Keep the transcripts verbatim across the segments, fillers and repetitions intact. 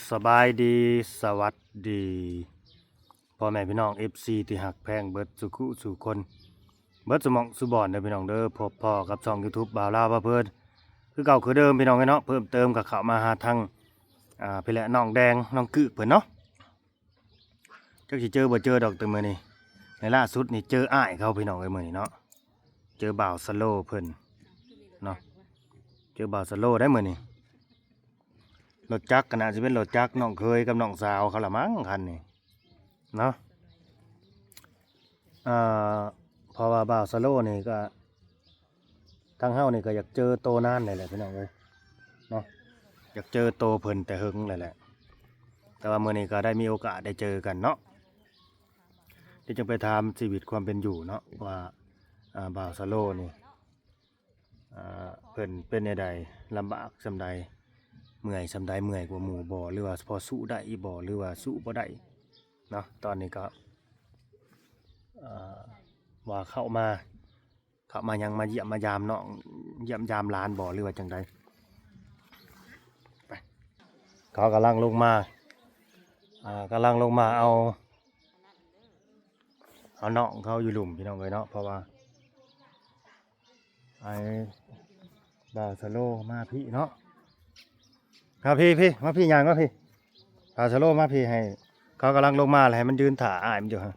สบายดีสวัสดีพ่อแม่พี่น้อง เอฟ ซี ที่หักแพงเบิดสุขุสู่คนเบิดสมองสุบอนเด้อพี่น้องเด้อพบพ่อกับช่อง YouTube บ่าวลาวบ่าวเพิ่นคือเก่าคือเดิมพี่น้องเนาะเพิ่มเติมกับเข้ามาหาทางอ่าพี่แหละน้องแดงน้องกึกเพิ่นเนาะจักสิเจอบ่เจอดอกแต่มื้อนี้ในล่าสุดนี่เจออ้ายเขาพี่น้องเอ้ยมื้อนี้เนาะเจอบ่าวสโลเพิ่นเนาะเจอบ่าวสโลได้มื้อนี้รถจักรก็น่าจะเป็นรถจักรน้องเคยกับน้องสาวเขาละมั้งคันนี้เนาะอ่าเพราะว่าบ่าวสโลนี่ก็ทางเฮานี่ก็อยากเจอโตนานนี่แหละพี่น้องเอ้ยเนาะอยากเจอโตเพิ่นแต่หึงเลยแหละแต่ว่ามื้อนี้ก็ได้มีโอกาสได้เจอกันเนาะเดี๋ยวจึงไปถามชีวิตความเป็นอยู่เนาะว่าอ่าบ่าวสโลนี่อ่าเพิ่นเป็นจังไดลำบากส่ำใดเมื่อยส่ำใดเมื่อยกว่าหมู่บ่หรือว่าพอสู้ได้บ่หรือว่าสู้บ่ได้เนาะตอนนี้ก็อ่าว่าเข้ามาเข้ามายังมาเยี่ยมมายามน้องเยี่ยมยามหลานบ่หรือว่าจังใดไปเขากำลังลงมาอ่ากำลังลงมาเอาเอาน้องเขาอยู่หลุมพี่น้องเอ้ยเนาะเพราะว่าไอ้บ่าวสโลมาพี่เนาะครับพี่พี่มาพี่ยางมาพี่บ่าวสโลมาพี่ให้เขากำลังลงมาเลยให้มันยืนถ่าอ้ายมันอยู่ฮะ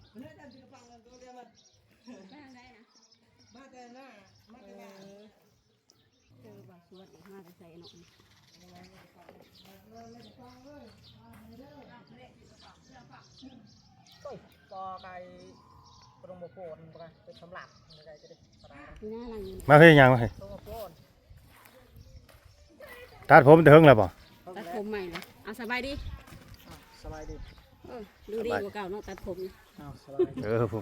ก็ไก่ตรงโมโพนไปเป็นสำหรับอะไรจะได้สบายมาพี่ยางมาพี่ตรงโมโพนตัดผมเถิงแล้วป่ะตัดผมใหม่เลยเอาสบายดีสบายดีเออดูดีกว่าเก่าเนาะตัดผมนี่อ้าวสบายดีเออผม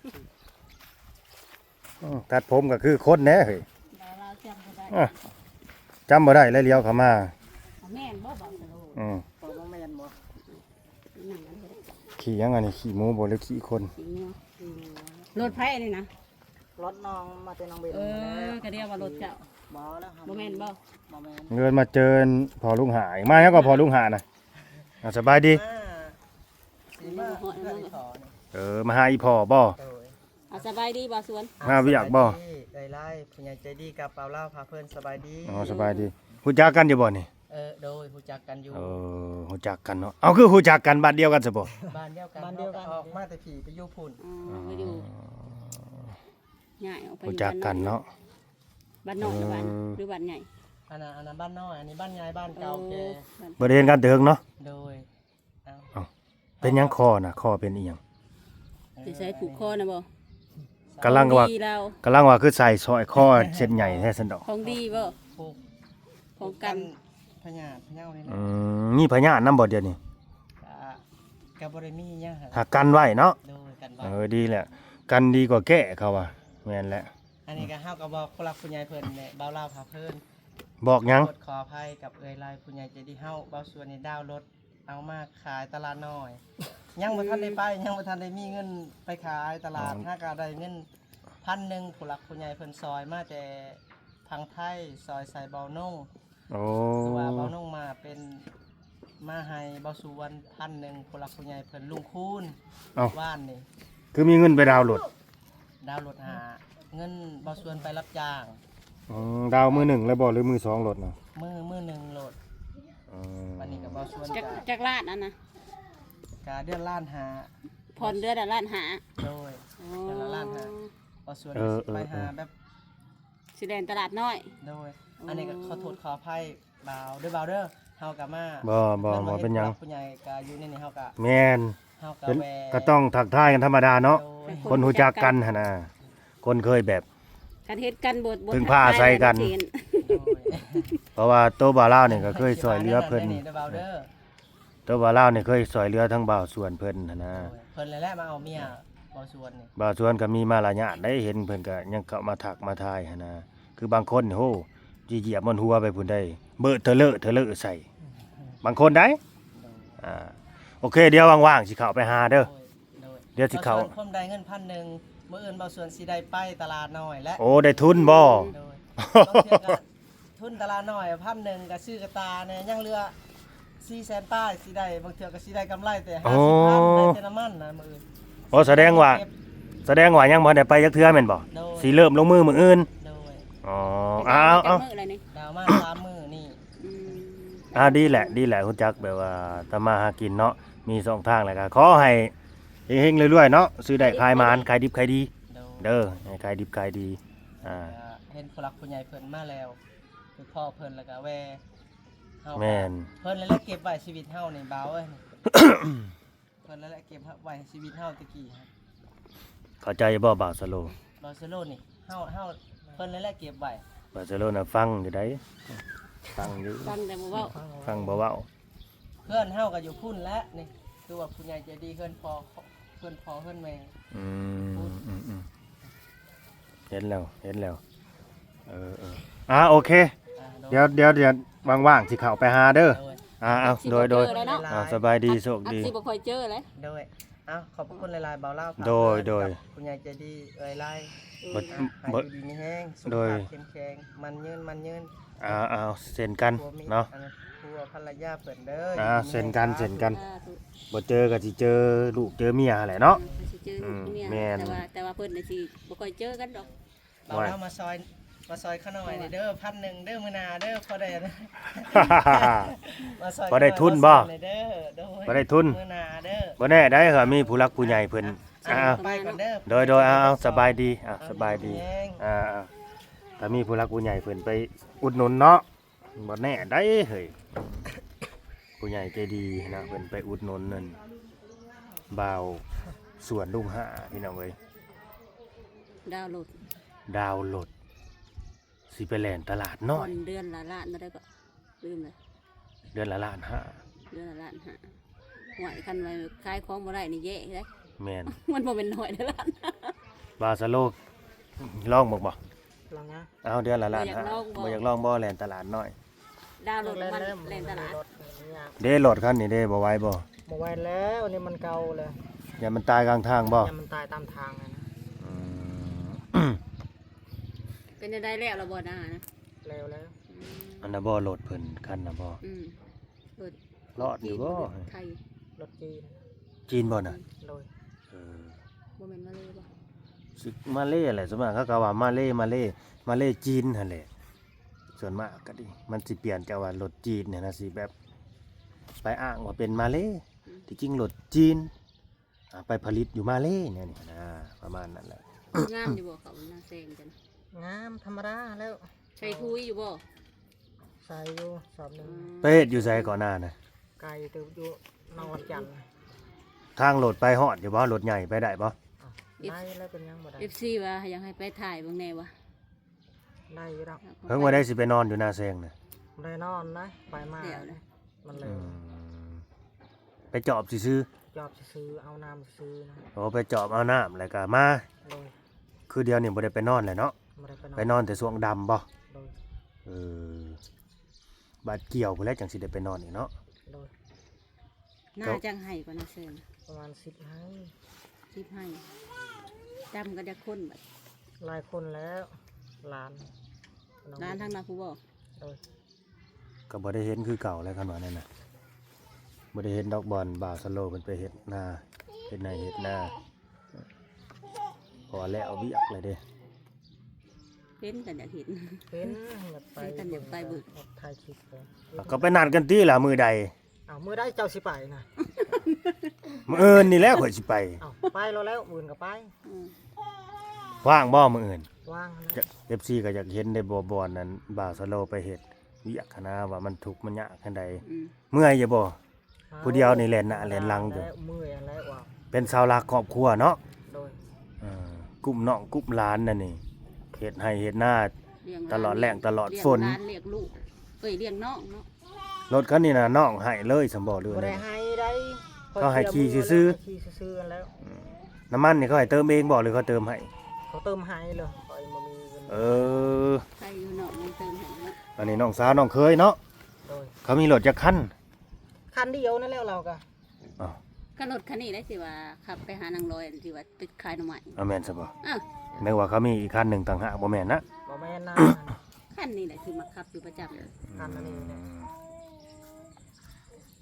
อืมตัดผมก็คือคนแน่เฮ้ยดาราจำก็ได้อ่ะจำบ่ได้แล้วเลี้ยวเข้ามาเอาแม่นบ่บ่สโลอืมพอบ้างแมนบ่หนังกันเลยขี่ยังไงนี่ขี่หมูบ่หรือขี่คนสีงัวรถไผ่นี่นะรถน้องมาเป็นน้องเบนเออกระเดียวว่ารถเจ้าบ่แล้วบ่แม่นบ่บ่แมนเงินมาเจอพอลุงหายมาแล้วก็พอลุงหานะอ่ะสบายดีสีมาเพื่อนขอนี่เออมาหาอีพ่อบ่โดยเอาสบายดีบ่สวนมาเวียกบ่ไล่ไล่ผู้ใหญ่ใจดีกับเปล่าเล่าพาเพื่อนสบายดีอ๋อสบายดีฮู้จักกันอยู่บ่นี่เออโดยผู้จักกันอยู่เออฮู้จักกันเนาะเอาคือฮู้จักกันบ้านเดียวกันซะบ่บ้านเดียวกันบ้านเดียวกันออกมาแต่ผีไปอยู่พุ่นอ๋อไปอยู่ง่ายออกไปอฮู้ยู่จักกันเนาะบ้านนอกหรือบ้านหรือบ้านใหญ่อันนั้นอันนั้นบ้านน้อยอันนี้บ้านใหญ่บ้านเก่าแก่บ้านบ่ได้เห็นกันเถิงเนาะโดยเอาเป็นหยังคอน่ะคอเป็นอีหยังสิใช้ผูกคอนะบ่กำลังว่าดีแล้วกำลังว่าคือใส่ซอยคอเส้นใหญ่แท้ซั่นดอกของดีบ่ปลูกของกันพญาพญานี่อืนะมมีพญาตินำบ่เดี๋ยวนี้กับบริมีเนี่ยฮะถ้ากันไว้เนาะโดยกันเอว่าอดีแหละกันดีกว่าแก้เขาว่าแม่นแหละอันนี้ก็ห้าวกับบอกผู้รักผู้ใหญ่เพิ่นเนี่ยเบาเล่าพาเพิ่นบอกหยังกดขออภัยกับเอ่ยลายผู้ใหญ่ใจดีเฮาเบาส่วนในดาวรถเอามาขายตลาดน้อย ยังบ่ทันได้ไปยังบ่ทันได้มีเงินไปขายตลาดถ้าก็ได้เงินพันหนึ่งผู้รักผู้ใหญ่เพิ่นซอยมาแต่ทางไทยซอยใส่เบานุ่งโอ้คือว่าเบานุ่งมาเป็นมาให้เบาสุวรรณพันหนึ่งผู้รักผู้ใหญ่เพิ่นลุงคูณเอ้าว่านนี่คือมีเงินไปดาวน์โหลดดาวรถหาเงินเบาส่วนไปรับจ้างอืมดาวมือหนึ่งแล้วบ่หรือมือสองโหลดเนาะมือมือหนึ่งโหลดอืมวันนี้กับเบาส่วนจักกะจักลาดนั่นนะกาเดือนล้านหาผ่อนเดือนละล้านหาโดยอ๋อเดือนละล้านหาเบาส่วนไปหาแบบสิแดนตลาดน้อยโดย อันนี้ก็ขอโทษขออภัยเบาเด้อเบาเด้อเฮากะมาบ่บ่บ่เป็นหยังผู้ใหญ่กะอยู่ในนี้เฮากะแม่นเฮากะเป็นแวก็ต้องทักทายกันธรรมดาเนาะโดยคนรู้จักกันหั่นน่ะคนเคยแบบการเฮ็ดกันบทบทพึ่งพาอาศัยกันทัทายโดยเพราะว่าโตบ่าวลาวนี่ก็เคยช่วยเหลือเพิ่นเด้อเบาเด้อโตบ่าวลาวนี่เคยช่วยเหลือทั้งบ่าวสวนเพิ่นหั่นนะโดยเพิ่นแหละมาเอาเมียเบาส่วนนี่บ่าวสวนก็มีมารยาทได้เห็นเพิ่นก็ยังเข้ามาทักมาทายหั่นนะคือบางคนนี่โหสิเหยียบบนหัวไปพุ่นได้เบ้อเทอะเลอะเทอะเลอะใส่ บางคนได้โดยอ่าโอเคเดี๋ยวว่างๆสิเข้าไปหาเด้อโดยเดี๋ยวสิเข้าบส่วนผมได้เงินพันหนึ่งมื้ออื่นเบาส่วนสิได้ไปตลาดน้อยและโอ้ได้ทุนบ่โดยต้องเทียบกันทุนตลาดน้อยพันหนึ่งกับซื้อกระตาเนี่ยยังเหลือสี่แสนป้ายสิได้บางเทื่อก็สิได้กำไรแต่โอ้ห้าสิบพันได้แต่น้ำมันนะมื้ออื่นโอ้แสดงว่า แสดงว่ายังบ่ได้ไปจักเทื่อแม่นบ่โดยสิเริ่มลงมือมื้ออื่นโดยอ๋ออ้าวเอามื้ออะไรนี่ดาวมาสามมื้อนี่อืมอ่าดีแหละดีแหละรู้จักแบบว่าทำมาหากินเนาะมีสองทางแหละก็ขอให้เฮงๆเรื่อยๆเนาะซื้อได้ขายมานขายดิบขายดีโดยเด้อให้ขายดิบขายดีอ่าก็เห็นผู้หลักผู้ใหญ่เพิ่นมาแล้วคือพ่อเพิ่นแล้วก็แวเฮาก็แม่นเพิ่นแล้วแหละเก็บไว้ชีวิตเฮานี่เบาเอ้ย เพิ่นแล้วแหละเก็บไว้ชีวิตเฮาตะกี้ครับเข้าใจบ่บ่าวสโลบาร์เซโลนี่เฮาเฮาเพิ่นแล้วแหละเก็บไว้บ่าวสโลน่ะฟังอยู่ได้ฟังอยู่ฟังแต่บ่เว้าฟังบ่เว้าเพื่อนเฮาก็อยู่พุ่นแล้วนี่คือว่าผู้ใหญ่ใจดีเพิ่นพอเพิ่นพอเพิ่นแม่อืมอืมอืมเห็นแล้วเห็นแล้วเออเอออ่าโอเคอ่าเดี๋ยวเดี๋ยวเดี๋ยวว่างๆสิเข้าไปหาเด้อโดยอ่าเอาโดยโดยสิบ่เจอแล้วเนาะอ่าสบายดีโชคอักดีสิบ่ค่อยเจอเลยโดยเอ้าขอบพระคุณหลายๆเบาเล่าฝากโดยเพิ่นโดยกับผู้ใหญ่ใจดีเอ่ยไล่บ่อ่ะให้บ่อยู่ดีมีแห้งสุขโดยภาพเข้มแข็งมันยืนมันยืนอ่าเอาเซ็นกันผัวมีเนาะอัผัวภรรยาเพิ่นเด้ออ่าอยู่ดีมีเซ็นกันแรงเซ็นกันสาธุบ่เจอก็สิเจอลูกเจอเมียแหละเนาะสิเจออืมเมียแม่นแต่ว่าแต่ว่าเพิ่นน่ะสิบ่ค่อยเจอกันดอกเบาเล่ามาซอยมาซอยข้าหน่อยนี่เด้อพันหนึ่งเด้อมื้อหนาเด้อพอได้นะ มาซอยพอได้ทุนบ่มาซอยหอยเด้อโดยบ่ได้ทุนมื้อหนาเด้อบ่แน่ได้เหรอมีผู้รักผู้ใหญ่เพิ่นอ่ะอ่าไปก่อนเด้อโดยโดยเอาเอาสบายดีอ่ะเอสบายดีแห้งอ่าอ่าถ้ามีผู้รักผู้ใหญ่เพิ่นไปอุดหนุนเนาะบ่แน่ได้เฮ้ยผู้ใหญ่ใจดีนะเพิ่นไปอุดหนุนนั่นบ่าวสวนลุงห้าพี่น้องเอ้ยดาวน์โหลดดาวน์โหลดสิไปแล่นตลาดน้อยผ่อนเดือนละล้านบ่ได้ก็ลืมเลยเดือนละล้านห้าเดือนละล้านห้าหวยคันไว้ขายของบ่ได้นี่แย่เด้แม่นมันบ่เป็นน้อยเด้อล้านบาสโลกลองบ่บ่ลองนะเอาเดือนละล้านบ่อยากห้าลองบ่บ่อยากลองบ่แล่นตลาดน้อยดาวน์โหลดมันเล่นตลาดเด้รถคันนี้เด้บ่ไหวบ่บ่ไหวแล้วนี่มันเก่าเลยอย่ามันตายกลางทางบ่อย่ามันตายตามทางเลยนะอืมเป็นจังได๋แล้วล่ะบ่น่านะแล้วแล้วอืมอันน่ะบ่รถเพิ่นคันน่ะบ่อืมเปิดรอดอยู่บ่ไทยรถจีนจีนบ่น่ะโดยเออบ่แม่นมาเลยบ่สิมาเลแหละส่วนมากเขาก็ว่ามาเลมาเลมาเลจีนหั่นแหละส่วนมากก็ดิมันสิเปลี่ยนจากว่ารถจีนเนี่ยนะสิแบบไปอ้างว่าเป็นมาเลที่จริงรถจีนอ่าไปผลิตอยู่มาเลเนี่ยนี่นะประมาณนั้นแหละงามอยู่บ่เขาหน้าแซงจังงามธรรมดาแล้วใช้คุยอยู่บ่ใส่อยู่สอบหนึ่งไปเฮ็ดอยู่ไสก่อนหน้านะไก่ตัวอยู่นอนจันทร์ทางรถไปฮอดอยู่บ่รถใหญ่ไปได้บ่อ้าวได้แล้วเป็นยังบ่ได้เอฟซีว่าอยากให้ไปถ่ายเบิ่งแน่วะได้อยู่ดอกเพิ่งว่าได้สิไปนอนอยู่หน้าแซงน่ะได้นอนนะไปมาเดี๋ยวนะมันเลอืยมไปจอบซื้อจอบซื้อเอาน้ำซื้อนะๆโอ้ไปจอบเอาน้ำแล้วก็มาโดยคือเดียวนี่บ่ได้ไปนอนแหละเนาะไม่ได้ไปนอนไปนอนแต่ช่วงดำบ่โดยเออบาดเกี่ยวพุ่นแหล้วจังสิได้ไปนอนอีกเนาะโดยน่าจังให้กว่านาเซนประมาณสิบให้สิบให้จำกันจะคนบัดหลายคนแล้วหลานองร้านทางนาผู้บ่โดยก็บ่ได้เห็นคือเก่าแล้วคันว่านั่นน่ะบ่ได้เห็นดอกบอลบ่าวสโลว์เพิ่นไปเฮ็ดนาเฮ็ดนาเฮ็ดนาพอแล้วเอาเวียกเลยเด้เป็นกันอยากเห็นเป็นอยากไปเป็นกันอยากไปบึกออกถ่ายคลิปเลยก็ไปนัดกันติล่ะมื้อใดอ้าวมือได้เจ้าสิไปนะมื้ออื่นนี่แหละข่อยสิไปอ้าวไปแล้วแล้วอื่นก็ไปอืมว่างบ่มื้ออื่นว่างแล้วจะ เอฟ ซี ก็อยากเห็นได้บ่บอลนั้นบ่าวสโลว์ไปเฮ็ดเวียกหั้นนะว่ามันทุกข์มันยากจังใดอืมเมื่อยอยู่บ่ ผู้เดียวนี่แล่นหน้าแล่นหลังอยู่แล้วเมื่อยแล้วว่าเป็นเสาหลักครอบครัวเนาะโดยเออกลุ่มน้องกลุ่มหลานนั่นนี่เฮ็ดให้เฮ็ดหน้าเลี้ยงตลอดแรงตลอดเลี้ยงฝนหลานเลี้ยงลูกเอ้ยเลี้ยงน้องเนาะรถคันนี้น่ะน้องให้เลยสำบ่เรือนบ่ได้นี่ให้ได้เขาให้ขี่ซื่อๆขี่ซื่อๆแล้วน้ำมันนี่เขาให้เติมเองบ่หรือเขาเติมให้เขาเติมให้เลยคอยมามีเงินเออใครอยู่นอกมันเติมให้เนาะอันนี้น้องสาวน้องเคยเนาะโดยเขามีรถจักคันคันเดียวนั่นแล้วเราก็อ้าวก็รถคันนี้ได้สิว่าขับไปหานางลอยที่ว่าติดขายหน่อไม้เอาแม่นซะบ่อ้าวนึกว่าเขามีอีกคันหนึงต่างหากบ่แม่นนะบ่แม่นนะคันนี้แหละที่มาขับอยู่ประจำคันอันนี้เนี่ย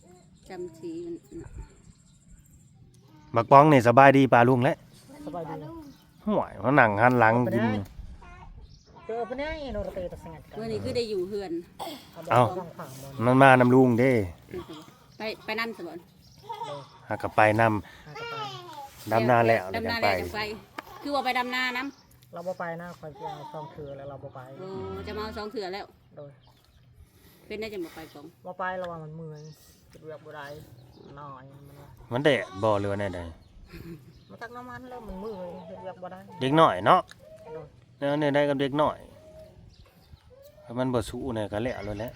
จำสีมันน่ะบักป้องนี่สบายดีปลาลุงแล้วสบายดีห่วยเขานั่งหันหลังกินเจอปะเนี่ยโนรเตตะสงัดกันเมื่อนี้คือได้อยู่เฮือนเอ้าต้องขังบนมันมานำลุงเด้ไปไปนั่นสบอนหากกไปนำหากระไปดำนาแล้วแล้วดำจันางไปแล้วจังไป คือว่าไปดำนาน้เราบ่ไปนะคอยจะเอาซองเถือแล้วเราบ่ไปำโอ้จะมาเอาสองเถื่อแล้วโดยเป็นได้จะมาไปสองบ่ไปเราว่ามันเมื่อยเก็บเวียกบ่ได้น้อยมันว่ามันแดดบ่เรือแน่ใดมันตักน้ำมันแล้วมันเมื่อยเก็บเวียกบ่ได้เด็กน้อยเนาะโดยแล้วเนี่ยได้กับเด็กน้อยถ้ามันบ่สู้เนี่ยก็แล้วเลยแหละ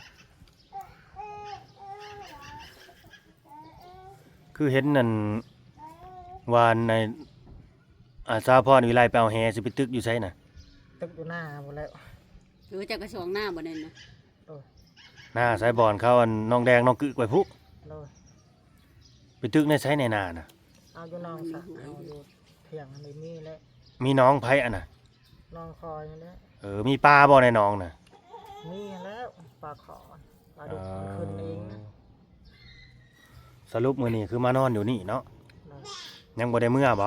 คือเห็นนั่นวานในอาสาพรวิไลไปเอาแฮสิไปตึกอยู่ไสน่ะตึกอยู่หน้าหมดแล้วหรือจะกระชองหน้าบ่นั่นนะโดยหน้าสายบอนเขาอันน้องแดงน้องกึกไว้พุโดยไปตึกในไสในนาน่ะเอาอยู่น้องสะเอาอยู่เถียงอันนี้มีแล้วมีน้องไผอันน่ะน้องคอยนี่แหละเออมีปลาบ่ในน้องน่ะมีแล้วปลาขอปลาดุกมันขึ้นเองนะสรุปมื้อนี้คือมานอนอยู่นี่เนาะโดยยังบ่ได้เมื่อบ่โดย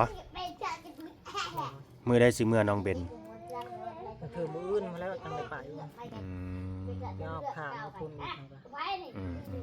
มื้อได้สิเมื่อน้องเบนมันคือมืออื่นมาแล้วจังได้ไปอืมยอบขามมาคุณอีกนะครับอืมอืม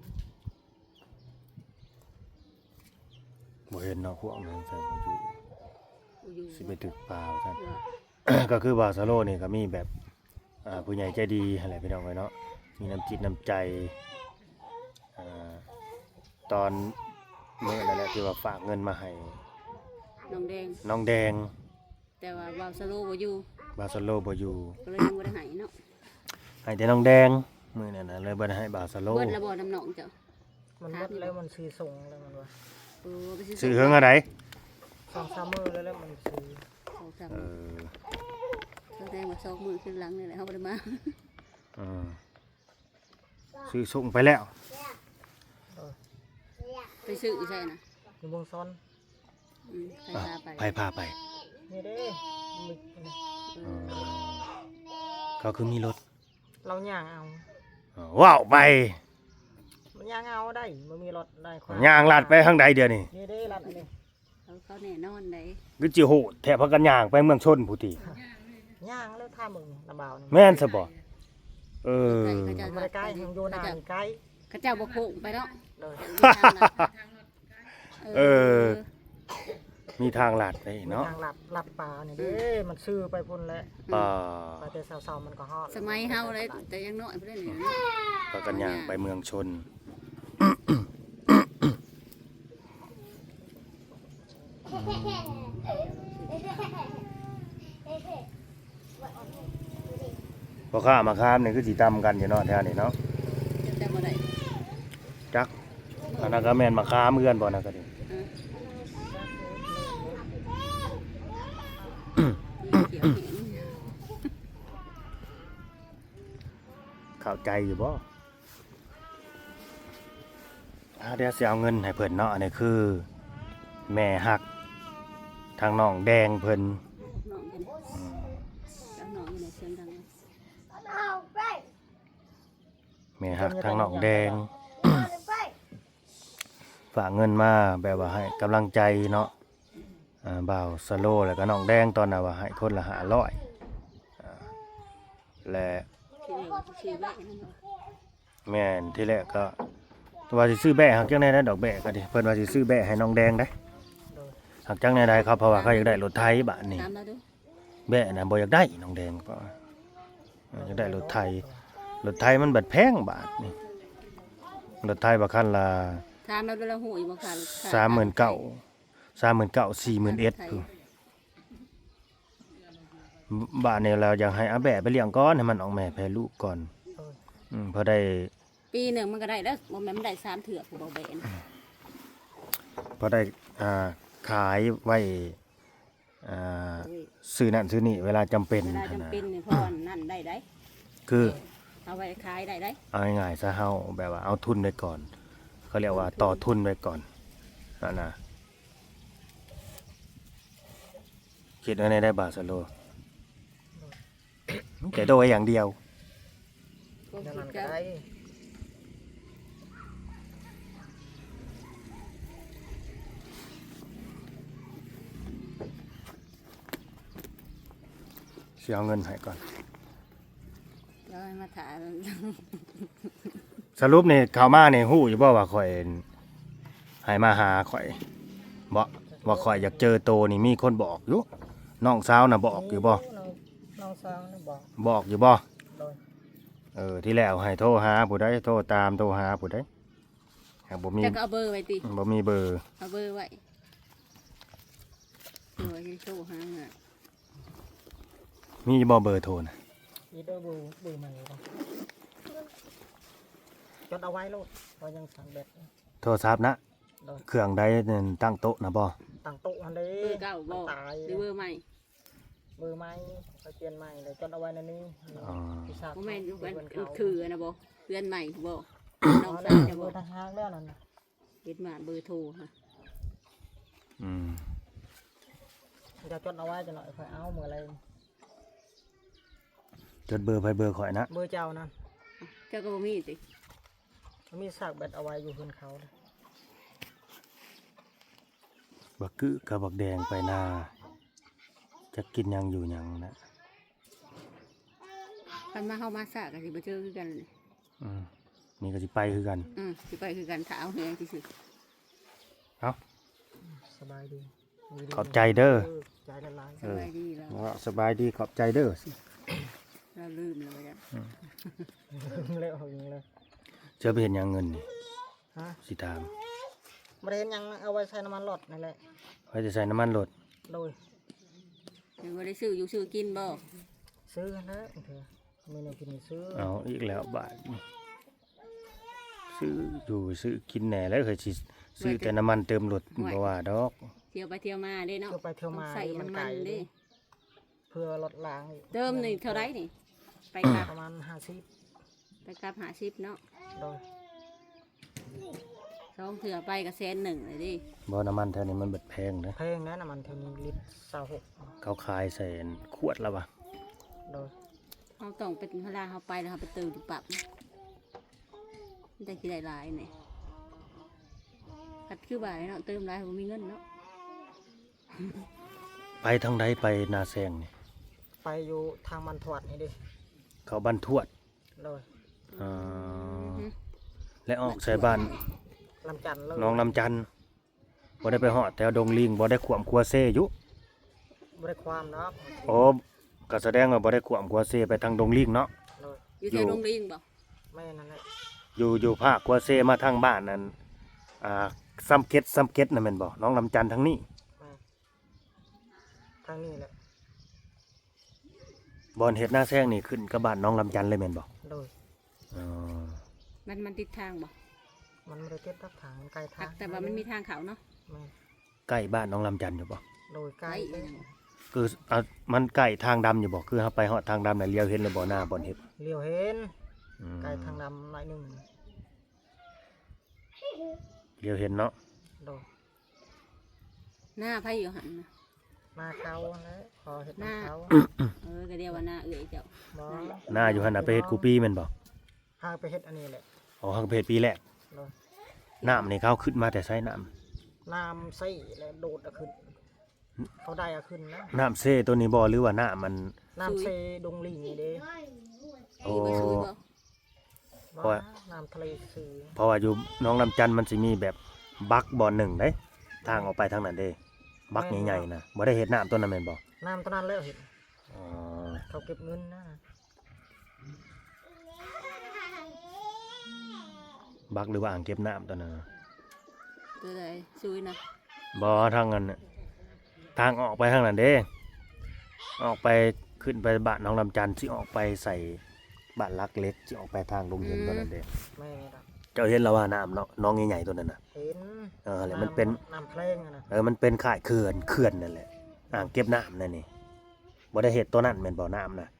บ่เห็นเนาะพวกนั้นใส่บ่อยู่อยู่สิไปตึกปลาว่าซั่นว่าก็คือบาสโลนี่ก็มีแบบอ่าผู้ใหญ่ใจดีอะไรพี่น้องไว้เนาะมีน้ำจิตน้ำใจอ่าตอนเมื่อนั่นแหละที่ว่าฝากเงินมาให้น้องแดงน้องแดงแต่ว่าบ่าวสโลบ่อยู่บาสโลบ่อยู่ก็เลยยังบ่ได้ให้เนาะให้แต่น้องแดงมื้อนั้นน่ะเลยบ่ได้ให้บาสโลเบิดแล้วบ่น้ำหนองเจ้ามันหมดแล้วมันซื้อส่งแล้วมันว่าโอ้ไปซื้อเฮืองอะไรสองสามมือแล้วแล้วมันซื้อสองสามเออแสดงว่าสองมือขึ้นหลังนี่แหละเฮาบ่ได้มาอืมซื้อส่งไปแล้วไปซื้อใช่น่ะอยู่เมืองซอนอืมใครอ่ะพาไปไปพาไปนี่เด้มิกนี่เออือมเขาคือมีรถเราย่างเอาอ๋อว้าวไปมันย่างเอาได้มันมีรถได้ควย่างลัดไปทางใดเดี๋ยวนี้นี่เด้รัดอันนี้เขาเขาแน่นอนได้คือจิโหดแถบพากันย่างไปเมืองชนผู้ติย่างแล้วท่ามึงระบาวนี่แม่นซะบ่เออเขาจะมันไม่ได้ใกล้ทางโยนานี่ใกล้เขาเจ้าบ่โค้งไปเนาะเลยเออ มีทางลัดไปมีเนาะทางหลับหลับป่านี่เด้มันซื้อไปพุ่นแล้วป่าไปแต่เสาๆมันก็ฮอดสมัยเฮาเลยแต่ยังน้อยเพิ่นนี่พากันย่างไปเมืองชน พอข้ามาข้ามนี่คือสีตำกันอยู่เนาะแถวนี้เนาะแต่บ่ได้จักอันนั้นก็แม่นมาข้ามเพื่อนบ่นะก็ดิเออเขียวแข็งเข้าใจอยู่บ่อ่าเดี๋ยวสิเอาเงินให้เพิ่นเนาะอันนี้คือ แม่ฮักทางน้องแดงเพิ่นน้องกันอืมแล้วน้องอยู่ในเสียงดังแม่ฮักทางน้องแดง ฝากเงินมาแบบว่าให้กำลังใจเนาะอ่าบ่าวสโลแล้วก็น้องแดงตอนน่ะว่าให้คนละห้าร้อยอ่าและที่นี่ชื่อแม่นั่นเนาะแม่นที่แรกก็ว่าสิซื้อแบะหักจังได๋นะดอกแบะก็ดิเพิ่นว่าสิซื้อแบะให้น้องแดงได้หักจังได๋ได้ครับเพราะว่าเขาอยากได้รถไถบาดนี้ตามเราดูแบะน่ะบ่อยากได้น้องแดงเพราะว่าเอออยากได้รถไถรถไถมันบัดแพงบาทนี่รถไถบ่คันละตามเราดูแลหูอีกบ่ค่ะสามหมื่นเก้า สามหมื่นเก้า สี่หมื่นเอ็ดคือบ้านนี้เราอยากให้อาแบะไปเลี้ยงก่อนให้มันออกแม่แพร่ลูกก่อนอืมพอได้ปีหนึ่งมันก็ได้แล้วบ่แม่นมันได้สามเถื่อผู้บ่แบนพอได้อ่าขายไว้อ่าซื้อนั่นซื้อนี่เวลาจำเป็นเวลาหั้นจำนะเป็นนี่พ่อนั่นได้ได้คือเอาไว้ขายได้ได้เอาง่ายๆซะเฮาแบบว่าเอาทุนไว้ก่อน เขาเรียกว่าต่อทุนไว้ก่อนนั่นนะคิดว่าในได้บาทสโลแต่โดยอย่างเดียวก็เดี๋ยวคินั้ดนก็จะได้สิเอาเงินให้ก่อนแล้วให้มาถ่ายสรุปนี่เข้ามานี่ฮู้อยู่บ่ว่าข่อยให้มาหาข่อยบ่ว่าข่อยอยากเจอโตนี่มีคนบอกอยู่น้องสาวน่ะบอกอยู่บ่น้องน้องสาวน่ะบอกบอกอยู่บ่โดยเออที่แล้วให้โทรหาผู้ใดโทรตามโทรหาผู้ใดหากบ่มีจะก็เอาเบอร์ไว้ติบ่มีเบอร์เอาเบอร์ไว้เบอร์ไว้ที่โทรหาน่ะมีบ่เบอร์โทรน่ะอีเดอร์บูบูใหม่บ่จดเอาไว้โลดว่ายังสั่งเบ็ดโทรศัพท์นะโดยเครื่องใดนั่นตั้งโต๊ะนะบ่ตั้งโต๊ะอันนี้เบอร์เก่าบ่ตายหรือเบอร์ใหม่เบอร์ใหม่ไปเปลี่ยนใหม่เลยจดเอาไว้ในนี้อ๋อที่ทราบบ่แม่นอยู่เพื่กัอนนเขาคือนะบ่เพื่อนใหม่บ่น้องเอาสาแล้ววจะเบบ่อร์ทหารแล้วนั่นน่ะเฮ็ดมาเบอร์โทรค่ะอืมจะจดเอาไว้จะหน่อยค่อยเอาเมื่อไรจดเบอร์ไปเบอร์ข่อยนะเบอร์เจ้านั่นเจ้าก็บ่มีติมันมีซากเบ็ดเอาไว้อยู่เพื่อนเขาเลยบักกึกับบักแดงไปนาจะกินหยังอยู่หยังนะคันมาเฮามาซะก็สิบ่เจอคือกันเลยอืมนี่ก็สิไปคือกันอือสิไปคือกันถ้าเอาแฮงซื่อเอ้าสบายดียู่ดีขอบใจเด้อใจละลายๆสบายดีแล้วว่าสบายดีขอบใจเด้อเราลืมแล้วจ้ะเลยเอาอย่างเลยเจอไปเห็นหยังเงินนี่ฮะสิถามบริเวณยังเอาไว้ใช้น้ำมันหลอดนั่นแหละไว้จะใส่น้ำมันรถโดยยังบ่ได้ซื้ออยู่ซื้อกินบ่ซื้อนะเถอะมีในกินซื้อเอาอีกแล้วบาทนี่ซื้ออยู่ซื้อกินแหน่แล้วเคยสิซื้อแต่น้ำมันเติมรถบ่ว่าดอกเที่ยวไปเที่ยวมาเด้เนาะเที่ยวไปเที่ยวมาต้องใส่น้ำมันเด้เพื่อลดล้างอีกเติมนี่เท่าไรนี่ไปกลับประมาณห้าสิบไปกลับ50เนาะโดยสองเถื่อไปก็แสนหนึ่งเลยดิบ่น้ำมันแถวนี้มันเบิดแพงนะเพลงนั้นน้ำมันเท่านี้ลิตรสาวหกเขาขายใส่ขวดแล้ววะโดยเราต้องเป็นเวลาเขาไปแล้วเขาไปเติมอยู่ปรับได้กี่ได้หลายเนี่ยคัดคือบ่ายเนาะเติมหลายผมมีเงินเนาะไปทางใดไปนาแซงนี่ไปอยู่ทางมันถวดนี่ดิเขาบ้านทวดโดยอ่าและออกใส่บ้านลำจันทร์เลยน้องลำจันทน์บ่ได้ไปหอดแถวดงลิงบ่ได้ขวมคัวเซอยู่บริความเนาะโอ้ก็แสดงว่าบ่ได้ขวมคัวเซไปทางดงลิงเนาะโดยอยู่แถวโรงเรียนบ่ไม่นั่นแหละอยู่อยู่ภาคคัวเซมาทางบ้านนั่นอ่าซ้ำเก็ดซ้ำเก็ดนั่นแม่นบ่น้องลำจันทน์ทางนี้ไม่ทางนี้แหละบ่อนเฮ็ดหน้าแซงนี่ขึ้นกับบ้านน้องลำจันทน์เลยแม่นบ่โดยอ๋อมันมันติดทางบ่มันไม่ได้เก็บทับถังไกลทางแต่ว่ามันมีทางเขาเนาะแม่ใกล้บ้านน้องลำจันทน์อยู่บ่โดยใกล้ไอ้เองคืออ่ะมันใกล้ทางดำอยู่บ่คือเฮาไปฮอดทางดำน่ะเลี้ยวเห็นเลยบ่หน้าบ่อนเฮ็ดเลี้ยวเห็นอืมไกลทางดำหน่อยหนึ่งเลี้ยวเห็นเนาะโดยหน้าไผอยู่หันนะหน้าเขาแล้วพอเห็ดหน้าเขาเออก็เรียกว่าหน้าเอื่อยเจ้าบอหน้าอยู่หั่นน่ะไปเฮ็ดกูปีแม่นบ่พาไปเห็ดอันนี้แหละอ๋อฮังเพจปีแรกโดยน้ำนี่เขาขึ้นมาแต่ใช้น้น้ำใส่แล้วโดดเอาขึ้น เขาได้เอาขึ้นนะำน้ำเซ่ตัวนี้บ่หรือว่าน้ำมันน้ำเซดงลิงนี่เด้โอ้มีบ่ซื้อบ่เพราะว่าน้ำทะเลซื้อเพราะว่าอยู่น้องลำจันทน์มันสิมีแบบบักบ่อหนึ่งเด้ทางออกไปทางนั้นเด้บักใหญ่ๆนะบ่ได้เฮ็ดน้ำตัวนั้นแม่นบ่น้ำตอนนั้นแล้วเห็นอ๋อเขาเก็บเงินนะบักหรือว่าอ่างเก็บน้ำตัวนั้นน่ะตัวใดซื้อนะบ่ทางนั้นน่ะทางออกไปทางนั้นเด้ออกไปขึ้นไปบ้านน้องลำจันทน์สิออกไปใส่บ้านลักเล็กสิออกไปทางดงเห็นตัวนั้นเด้ไม่ครับเจ้าเห็นแล้วว่าน้ำเนาะน้องใหญ่ๆตัวนั้นน่ะเห็นเออแล้วมันเป็นน้ำเพลงอะนะเออ มันเป็นข่ายเขื่อนเขื่อนนั่นแหละ อ่างเก็บน้ำนั่นนี่บ่ได้เห็ดตัวนั้นแม่นบ่อน้ำนะ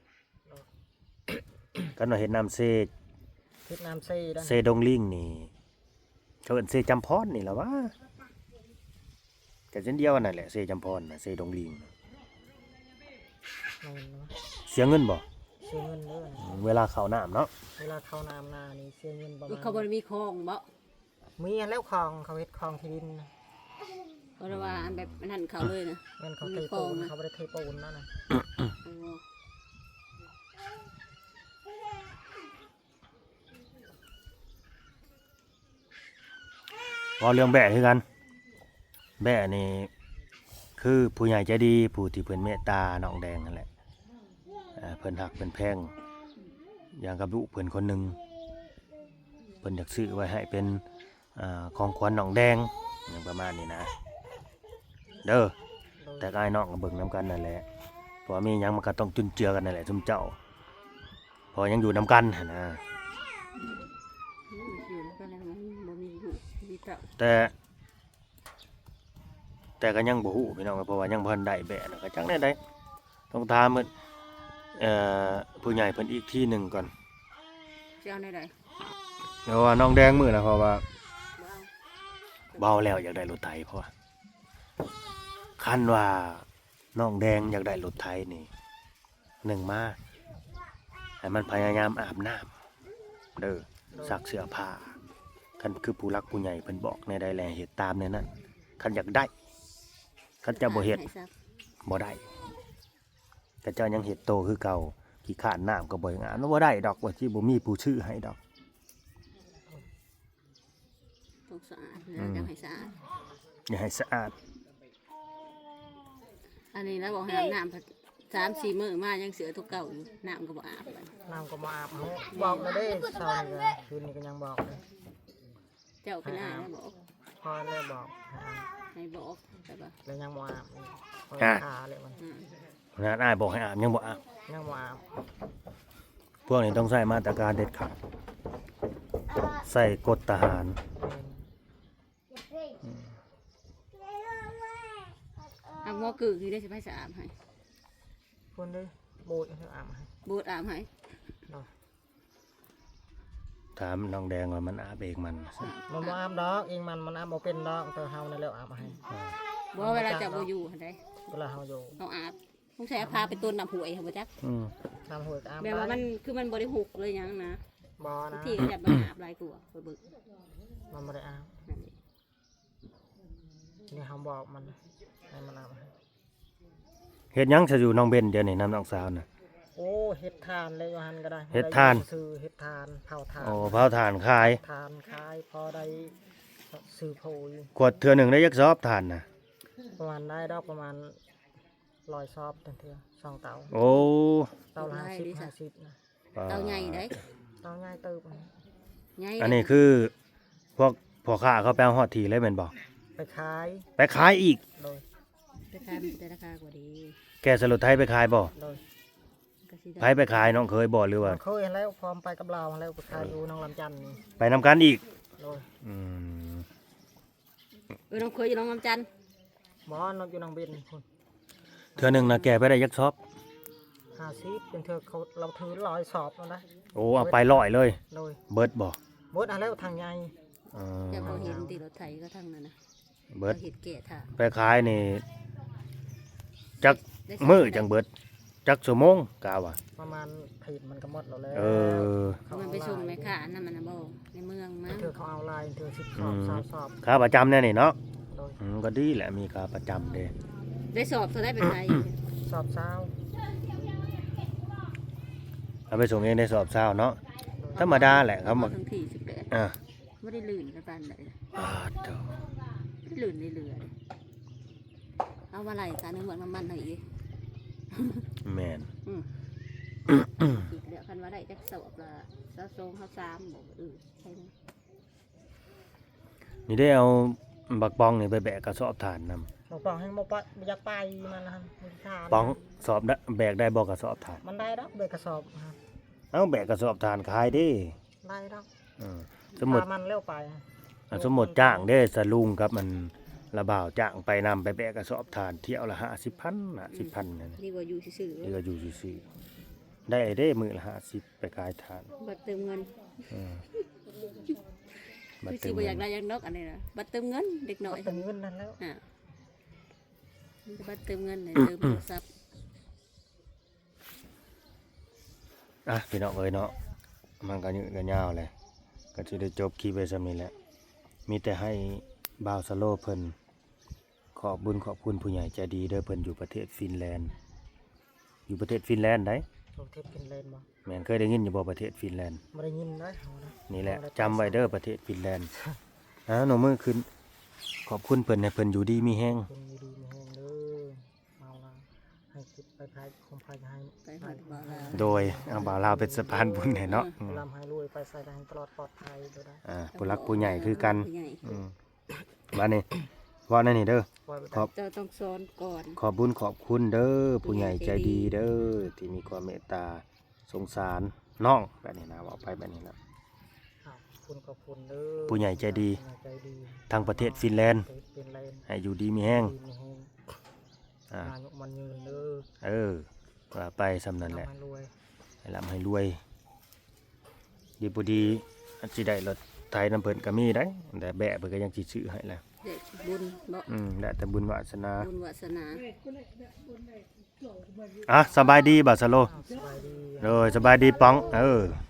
ก็น่าเห็ดน้ำเซทิศน้ำเซ่ด้านเซดงลิงนี่เขาเอิ้นเซจำพรนี่แหละวะก็เช่นเดียวกันนั่นแหละเซจำพรน่ะเซดงลิงน่ะไม่เห็นเนาะเสียเงินบ่เสียเงินเด้ออืมเวลาเข้าน้ำเนาะเวลาเข้าน้ำนานี่เสียเงินประมาณเขาบ่ได้มีคลองบ่มีอันแล้วคลองเขาเฮ็ดคลองที่ดินนะเพราะว่าอันแบบอันนั้นเขาเลยนะเงินเขาเทมีคลปูองนนะเขาไม่ได้เทปูนนั่นนะโอ้ว่าเรื่องแบะคือกันแบะนี่คือผู้ใหญ่ใจดีผู้ที่เพิ่นเมตตาน้องแดงนั่นแหละเอ่อเพิ่นหักเพิ่นแพงอย่างกับลูกเพิ่นคนหนึงเพิ่นอยากซื้อไว้ให้เป็นอ่าของขวัญน้องแดงอย่างประมาณนี้นะเด้อแต่ก็ไอ้น้องก็เบิ่งนํกันนั่นแหละเพราะว่ามีหยังมันก็ต้องจุนเจือกันนั่นแหละซุมเจ้าเพอยังอยู่นํกันหั่นนะอยู่ก็แล้วมันบ่มีลูกมีเต้าแต่แต่ก็ยังบ่ฮู้พี่น้องเพราะว่ายังบ่ทันได้แบะนะก็จังได๋ได้ต้องถามเพิ่นเอ่อผู้ใหญ่เพิ่นอีกที่หนึงก่อนสิเอาได้ใดเพราะว่าน้องแดงมื้อนะเพราะว่าบ่เอาเบาแล้วอยากได้รถไถเพราะว่าคันว่าน้องแดงอยากได้รถไถนี่หนึ่งมาให้มันพยายามอาบน้ำเด้อซักเสื้อผ้าคันคือผู้รักผู้ใหญ่เพิ่นบอกในใดแลเฮ็ดตามในนั้นคันอยากได้คันจะบ่เฮ็ดให้ซักบ่ได้แต่เจ้ายังเฮ็ดโตคือเก่าขี้ขานน้ำก็บ่งามบ่ได้ดอกว่าสิบ่มีผู้ชื่อให้ดอกต้องสะอาดแล้วจะให้สะอาดอย่าให้สะอาดอันนี้แล้วบอกให้อาบน้ำสามสี่มื้อมายังเสือตัวเก่าอยู่น้ำก็บ่อาบเลยน้ำก็มาอาบเขาบอกเลยเด้เช้านี่ก็คืนนี้ก็ยังบอกเลยเจ้าเป็นอ้ายแล้วบอกพอเลยบอกให้อาบให้บอกแต่ว่าแล้วยังบ่อาบอีกพอขาเลยมันอืมงานอ้ายบอกให้อาบยังบ่อาบยังบ่อาบพวกนี้ต้องใช้มาตรการเด็ดขาดใส่กฎทหารเอาหม้อกึ่งนี่ได้สิไปสะอาดให้คนเด้โบูดให้อาบให้บูดอาบให้เนาะถามน้องแดงว่ามันอาบเองมันมันบ่อาบดอกเองมันมันอาบบ่เป็นดอกแต่เฮานั่นแหละอาบให้บ่เวลาเจะบ่อยู่หั่นใดเวลาเฮาอยู่เอาอาบต้องใช้พาไปต้นน้ำหวยค่ะบ่จักอืมน้ำหัวก็อาบแบบว่ามันคือมันบ่ได้หุกเลยหยังนะบ่นะที่ก็จะมาอาบหลายกว่าไปเบิกมันบ่ได้อาบนั่นเองนี่เฮาบอกมันให้มันอาบให้เฮ็ดหยังจะอยู่น้องเบนเดี๋ยวนี้น้ำน้องสาวน่ะโอ้เฮ็ดทานเลยว่าหั่นก็ได้เฮ็ดทานซื้อเฮ็ดทานเผาทานโอ้เผาถ่านขายทานขายพอได้ซื้อโพยขวดเทื่อหนึงได้ยักซอบถ่านน่ะประมาณได้ดอกประมาณร้อยซอบเทื่อสองเตาโอ้เตาละห้าสิบห้าสิบนะเตาใหญ่ได้เตาง่ายเติบใหญ่อันนี้คือพวกพ่อค้าเขาไปเอาฮอดทีเลยแม่นบ่ไปขายไปขายอีกโดยราคามันจะราคากว่าดีแกสรุปไทยไปขายบ่โดยก็สิไผไปขายน้องเคยบ่หรือว่าเคยเห็นแล้วพร้อมไปกับเราแล้วไปขายอยู่น้องลำจันทน์นี่ไปนำกันอีกโดยอืมเออน้องเคยอยู่น้องลำจันทน์หมอนกอยู่น้องเบนคุณเทื่อหนึงน่ะแกไปได้ยักซอบห้าสิบเป็นเธอเขาเราถือร้อยสอบแล้วนะโอ้เอาไปร้อยเลยโดยเบิดบ่หมดอะไรทางใหญ่เอแต่อเขาเห็นตีรถไถก็ทั้งนั้นนะเบิดเขาเห็นแก่ท่าไปขายนี่จักได้มื้อจังเบิดจักชั่วโมงกะว่าประมาณผิดมันก็หมดแล้วแหล้วเออมันไปส่งแม่ค้านั่นมันนะบ่ในเมืองมั้งเธอเขาเอาลายเธอสิบสอบสามสอบค่าประจำแน่นี่เนาะโดยอืมก็ดีแหละมีค่าประจำเด้ได้สอบเท่าได้เป็นไงสอบเช้าเอาไปส่งเองได้สอบเช้าเนาะธรรมดาแหละครับมาทั้งที่สิบแปดอ่าไม่ได้ลื่นกันปานใดอ่าเด้อไม่ได้ลื่นในเรือเลยเอามาไหลการในเมืองน้ำมันหน่อยอีกแม่นอืมอีกเดี๋ยวคันว่าได้จักสอบละสะสงเขาสามบอกเออใช่ไหมนี่ได้เอาบักปองนี่ไปแบกกระสอบถ่านนำบอกปองให้บอกปะอยากไปมันนะมันทานปองสอบได้แบกได้บ่กระสอบถ่านมันได้ดอกเบรกกระสอบครับเอ้าแบกกระสอบถ่านขายเดิได้ดอกสมมุติพามันเร็วไปอ่าสมมุติจ้างเด้สลุงครับมันระบ่าวจ้างไปนำไปแบกกระสอบถ่านเที่ยวละห้าสิบพันห้าสิบพันนั่นน่ะดีกว่าอยู่ซื่อนี่ก็อยู่ซื่อๆได้เด้มื้อละห้าสิบไปขายถ่านๆบัตรเติมเงินอืมบัดคือเติสิมบ่อเงิยาน กได้อยังนกอันนี้นะบัตรเติมเงินเด็กหน่อยตึงเงินนั่นแล้วอ่ะบัตรเติมเงินเนี่ยเติมโทรศัพท์อ่ะพี่น้องเอ้ยเนาะมันก็ยืดกันยาวเลยก็สิได้จบคลิปไว้ซำนี้แหละมีแต่ให้บ่าวสโลเพิ่นขอบบุญขอบคุณผู้ใหญ่ใจดีเด้อเพิ่นอยู่ประเทศฟินแลนด์อยู่ประเทศฟินแลนด์ได้โรงเทปกินเลนบ่แม่นเคยได้ยินอยู่บ่ประเทศฟินแลนด์ไม่ได้ยินได้เอานะนี่แหละจำไว้เด้อประเทศฟินแลนด์อ่าหนูมือขึ้นขอบคุณเพิ่นให้เพิ่นอยู่ดีมีแฮงคนดีๆมีแห้งเด้อเอาละให้คิดไปภายคงภายให้ไปหอดบ่าวลาวโดยเอาบ่าวลาวเป็นสะพานบุญให้เนาะอืมลำให้รวยไปใส่ได้ตลอดปลอดภัยเด้อได้อ่าผู้รักผู้ใหญ่คือกันผู้ใหญ่อืมบ้านนี้ว่านั่นนี่เด้อปล่อยไปขอบเจ้าต้องสอนก่อนขอบบุญขอบคุณเด้อผู้ใหญ่ใจดีเด้อที่มีความเมตตาสงสารน้องแบบนี้นะบอกไปแบบนี้นะขอบคุณขอบคุณเด้อผู้ใหญ่ใจดีผู้ใหญ่ใจดีทางประเทศฟินแลนด์เป็นแลนด์ให้อยู่ดีมีแห้งดีมีแห้งอ่าอายุมันยืนเด้อเออว่าไปสำนั้นแหละทำให้รวยให้ร่ำให้รวย ดีบ่ดีอาจสิได้รถไถน้ำเพิ่นก็มีได้แต่แบะเพิ่นก็ยังสิซื้อให้แหละเด็กบุญบ่อืมแล้วแต่บุญวาสนาบุญวาสนาอ่ะสบายดีบ่าวสโลอ้าวสบายดีเออสบายดีป๋องเออ